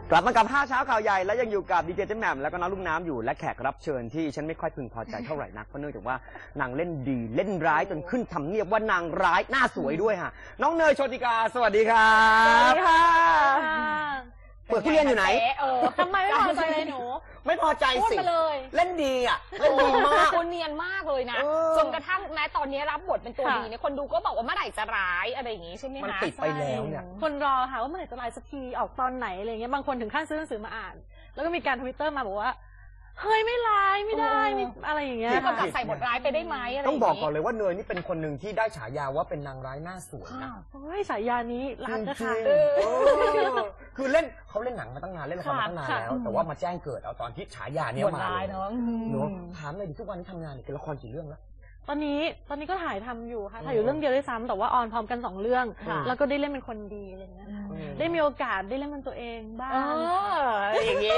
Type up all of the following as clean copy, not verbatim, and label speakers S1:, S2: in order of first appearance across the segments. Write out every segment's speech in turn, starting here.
S1: กลับมากับ5เช้าข่าวใหญ่และยังอยู่กับดีเจเจมแหม่มแล้วก็น้องลูกน้ำอยู่และแขกรับเชิญที่ฉันไม่ค่อยพึงพอใจเท่าไหร่นักเพราะเนื่องจากว่านางเล่นดีเล่นร้ายจนขึ้นทำเนียบว่านางร้ายหน้าสวยด้วยฮะน้องเนยโชติกาสวัสดีครับ
S2: สวัสดีค่ะ
S1: เปิดทุเรียนอยู่ไหน
S2: ทำไมไม่พอใจเลยหนู
S1: ไม่พอใจสิเล่นดีอ่ะเล่นดีมาก
S2: คนเนียนมากเลยนะจนกระทั่งแม้ตอนนี้รับบทเป็นตัวดีเนี่ยคนดูก็บอกว่าเมื่อไหร่จะร้ายอะไรอย่างงี้ใช่ไหมคะ
S1: มันติดไปแล้วเนี่ย
S3: คนรอค่ะว่าเมื่อไหร่จะร้ายสักทีออกตอนไหนอะไรเงี้ยบางคนถึงขั้นซื้อหนังสือมาอ่านแล้วก็มีการทวิตเตอร์มาบอกว่าเฮ้ยไม่ร้ายไม่ได้อะไรอย่างเงี้ย
S2: ก็ใส่บทร้ายไปได้ไหมอะไร
S1: ต้องบอกก่อนเลยว่าเนยนี่เป็นคนหนึ่งที่ได้ฉายาว่าเป็นนางร้ายหน้าสวยนะ
S3: โอ้ยฉายานี้รักนะคะ
S1: คือเล่นเขาเล่นหนังมาตั้งนานเล่นละครมาตั้งนานแล้วแต่ว่ามาแจ้งเกิดเอาตอนที่ฉายาเนี่ยมา
S2: เลยเนาะ
S1: ถามเลยดิทุกวันนี้ทำงานเป็นละครกี่เรื่องแล้ว
S3: ตอนนี้ก็ถ่ายทำอยู่ค่ะถ่ายอยู่เรื่องเดียวด้วยซ้ำแต่ว่าออนพร้อมกัน2 เรื่องแล้วก็ได้เล่นเป็นคนดีอะไรเงี้ยได้มีโอกาสได้เล่นเป็นตัวเองบ้าง
S2: อย่างงี้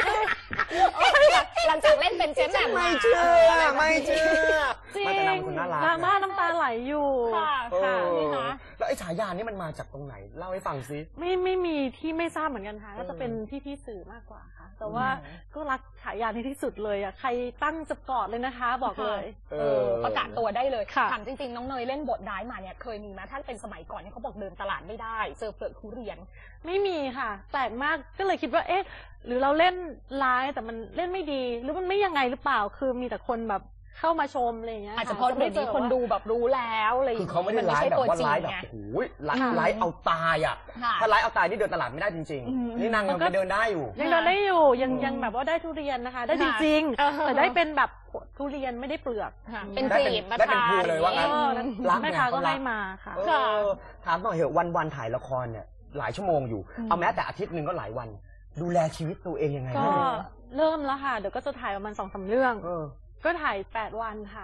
S2: หลังจากเล่นเป็นเจมแหม่ม
S1: ไม่เชื่อ
S3: จริง
S1: แต่นางเป็นคนน่ารัก
S3: ดราม่าน้ำตาไหลอยู่
S2: ค่ะนี่นะ
S1: แล้วไอ้ฉายานี้มันมาจากตรงไหนเล่าให้ฟังซิ
S3: ไม่มีที่ไม่ทราบเหมือนกันค่ะก็จะเป็นพี่สื่อมากกว่าค่ะแต่ว่าก็รักฉายานี้ที่สุดเลยอ่ะใครตั้งจะกอดเลยนะคะบอกเลย
S2: ประกาศตัวได้เลยถามจริงๆน้องเนยเล่นบทร้ายมาเนี่ยเคยมีไหมถ้าเป็นสมัยก่อนเนี่ยเขาบอกเดินตลาดไม่ได้เจอเปลือกทุเรียน
S3: ไม่มีค่ะแปลกมากก็เลยคิดว่าเอ๊ะหรือเราเล่นร้ายแต่มันเล่นไม่ดีหรือมันไม่ยังไงหรือเปล่าคือมีแต่คนแบบเข้ามาชมอะไรอย่างเงี้ย
S2: อาจจะเพราะเดี๋ยวนี้คนดูแบบรู้แล้วอะไรอย่าง
S1: เงี้ยคือเขาไม่ได้ร้ายแบบว่าร้ายแบบโอ้ยร้ายเอาตายอ่ะถ้าร้ายเอาตายนี่เดินตลาดไม่ได้จริงๆนี่นางยังเดินได้อยู่
S3: ยังเดินได้อยู่ยังแบบว่าได้ทุเรียนนะคะได้จริงๆแต่ได้เป็นแบบทุเรียนไม่ได้เปลือก
S2: เป็นกลีบ
S1: ได้เป็นภูเลยว่างั้น
S3: รักแม่ค้าก็ให้มาค่ะ
S1: ถามหน่อยเหอะวันถ่ายละครเนี่ยหลายชั่วโมงอยู่เอาแม้แต่อาทิตย์นึงก็หลายวันดูแลชีวิตตัวเองยังไง
S3: ก็เริ่มแล้วค่ะเดี๋ยวก็จะถ่ายประมาณ2-3 เรื่องก็ถ่าย8 วันค่ะ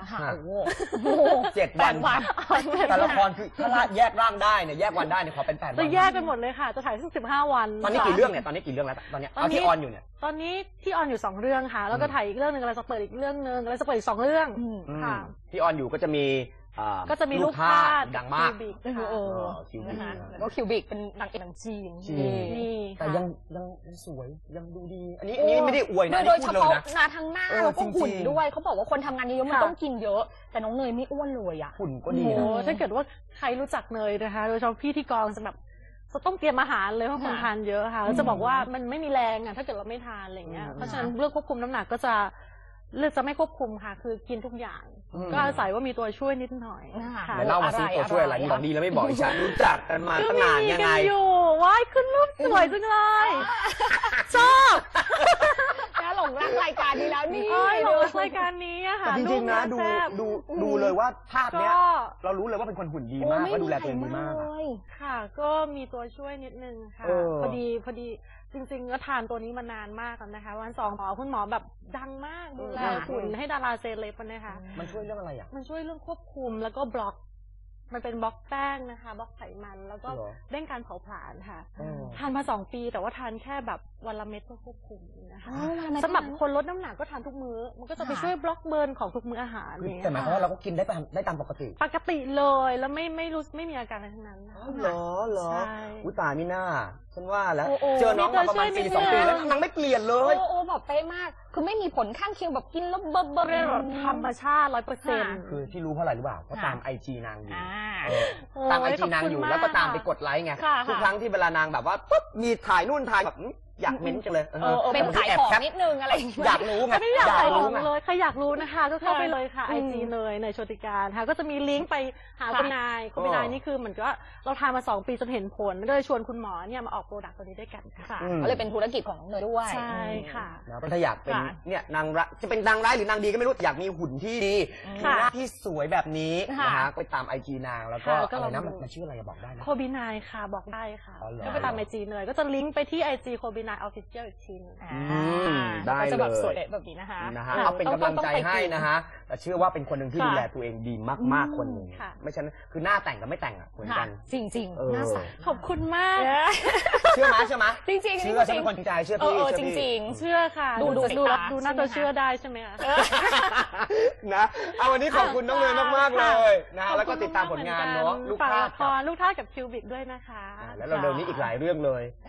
S1: 7 วันแต่ละครคือถ้าแยกร่างได้เนี่ยแยกวันได้เนี่ยขอเป็น8 วัน
S3: จะแยกไปหมดเลยค่ะจะถ่ายสัก15 วัน
S1: ตอนนี้กี่เรื่องเนี่ยตอนนี้กี่เรื่องแล้วตอนนี้เอาที่ออนอยู่เนี่ย
S3: ตอนนี้ที่ออนอยู่2 เรื่องค่ะแล้วก็ถ่ายอีกเรื่องนึงอะไรจะเปิดอีกเรื่องนึงอะไรจะเปิดอีก2 เรื่องค่ะ
S1: ที่ออนอยู่ก็จะมี
S3: ลูกค้า
S1: ดังมาก
S2: คิวบิกนะคะก็คิวบิกเป็นนางเอกหนังจีน
S1: นี่แต่ยังสวยยังดูดีอันนี้ไม่ได้อวยนะ
S2: โดยเฉพาะทั้งหน้าแล้วก็หุ่นด้วยเขาบอกว่าคนทำงานเยอะมันต้องกินเยอะแต่น้องเนยไม่อ้วนเลยอ่ะ
S1: หุ่นก็ดีนะ
S3: ถ้าเกิดว่าใครรู้จักเนยนะคะโดยเฉพาะพี่ที่กองจะแบบจะต้องเตรียมอาหารเลยเพราะคนทานเยอะค่ะแล้วจะบอกว่ามันไม่มีแรงอ่ะถ้าเกิดเราไม่ทานอะไรเงี้ยเพราะฉะนั้นเรื่องควบคุมน้ำหนักก็จะเลือกจะไม่ควบคุมค่ะคือกินทุกอย่างก็อาศัยว่ามีตัวช่วยนิดหน่อย
S1: ค่ะเล่ามาซิตัวช่วยอะไรบอกดีแล้วไม่บอกฉันรู้จักกันมาตั้งนานยังไง
S3: อยู่ว้ายขึ้นรูปสวยจังเลยชอบ
S2: น่าหลงรักรายการนี้แล้วนี่
S3: หลงรักรายการนี้อะค่ะ
S1: จริงๆนะดูเลยว่าภาพเนี้ยเรารู้เลยว่าเป็นคนหุ่นดีมากว่าดูแลตัวเองดีมาก
S3: ค่ะก็มีตัวช่วยนิดนึงค่ะพอดีจริงๆก็ทานตัวนี้มานานมากแล้วนะคะวัน2คุณหมอแบบดังมากดูแลหุ่นให้ดาราเซเลบนะคะ
S1: มันช่วยเรื่องอะไรอ่ะ
S3: มันช่วยเรื่องควบคุมแล้วก็บล็อกมันเป็นบล็อกแป้งนะคะบล็อกไขมันแล้วก็เร่งการเผาผลาญค่ะทานมา2 ปีแต่ว่าทานแค่แบบวันละเม็ดเพื่อควบคุมนะคะสำหรับคนลดน้ำหนักก็ทานทุกมื้อมันก็จะไปช่วยบล็อกเบิร์นของทุกมื้ออาหาร
S1: แต่หมายความว่าเราก็กินได้ตามปกติ
S3: เลยแล้วไม่มีอาการอะไรทั้งนั้น
S1: เหรออุ้ยตายมิน่าฉันว่าแล้วเจอน้องมาประมาณ2 ปีแล้วนางไม่เปลี่ยนเลย
S2: แบบเป๊ะมากคือไม่มีผลข้างเคียงแบบกินแล้วเบอร์
S3: ธรรมชาติ 100%
S1: คือที่รู้เพราะอะไรหรือเปล่าเพราะตามIG นางอยู่ตามIG นางอยู่แล้วก็ตามไปกดไลค์ไงทุกครั้งที่เวลานางแบบว่าปุ๊บมีถ่ายนู่นถ่ายแบบอยากเม้นจังเลย
S2: เป็นขายของนิดนึงอะไร
S1: อยากรู้ไง
S3: ไม่อยากขายของเลยใครอยากรู้นะคะก็เข้าไปเลยค่ะ IG เนยโชติการค่ะก็จะมีลิงก์ไปหาคุณนายนี่คือเหมือนก็เราทำมา2 ปีจนเห็นผลก็เลยชวนคุณหมอเนี่ยมาออกโปรดักต์ตัวนี้ด้วยกันค่ะ
S2: ก็เลยเป็นธุรกิจของน้องเนยด้วย
S3: ใช่ค่ะ
S1: แล้วถ้าอยากเป็นเนี่ยนางจะเป็นนางร้ายหรือนางดีก็ไม่รู้อยากมีหุ่นที่ดีหน้าที่สวยแบบนี้นะฮะไปตาม IG นางแล้วก็อะไรนะมันชื่ออะไรบอกได้นะ
S3: โคบินายค่ะบอกได้ค่ะก็ไปตาม IG เนยก็จะลิงก์ไปที่ IG โคบินาย Officialอีกทีนึง
S1: ได้เลย
S2: จะแบบสวยแบบนี้นะคะ
S1: เอาเป็นกำลังใจให้นะฮะแต่เชื่อว่าเป็นคนหนึ่งที่ดูแลตัวเองดีมากๆคนหนึ่งไม่ใช่คือหน้าแต่งกับไม่แต่งอ่ะเหมือนกัน
S2: จริงๆหน้าใส
S3: ขอบคุณมาก
S1: เชื่อไหมจริ
S2: งๆ
S1: เชื่อฉันเป็นคนจริงใจเชื่อพี่
S2: จริง
S3: ๆเชื่อค่ะดูน่าจะเชื่อได้ใช่ไหมคะ
S1: นะเอาวันนี้ขอบคุณน้องเนยมากๆเลยนะแล้วก็ติดตามผลงานเนาะ
S3: ลูกท่ากับคิวบิกด้วยนะคะ
S1: แล้วเราเร็วนี้อีกหลายเรื่องเลย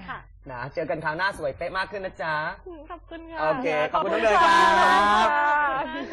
S1: นะเจอกันคราวหน้าสวยเป๊ะมากขึ้นนะจ๊ะ
S3: ขอบคุณค่ะ
S1: โอเคขอบคุณน้องเนยครับ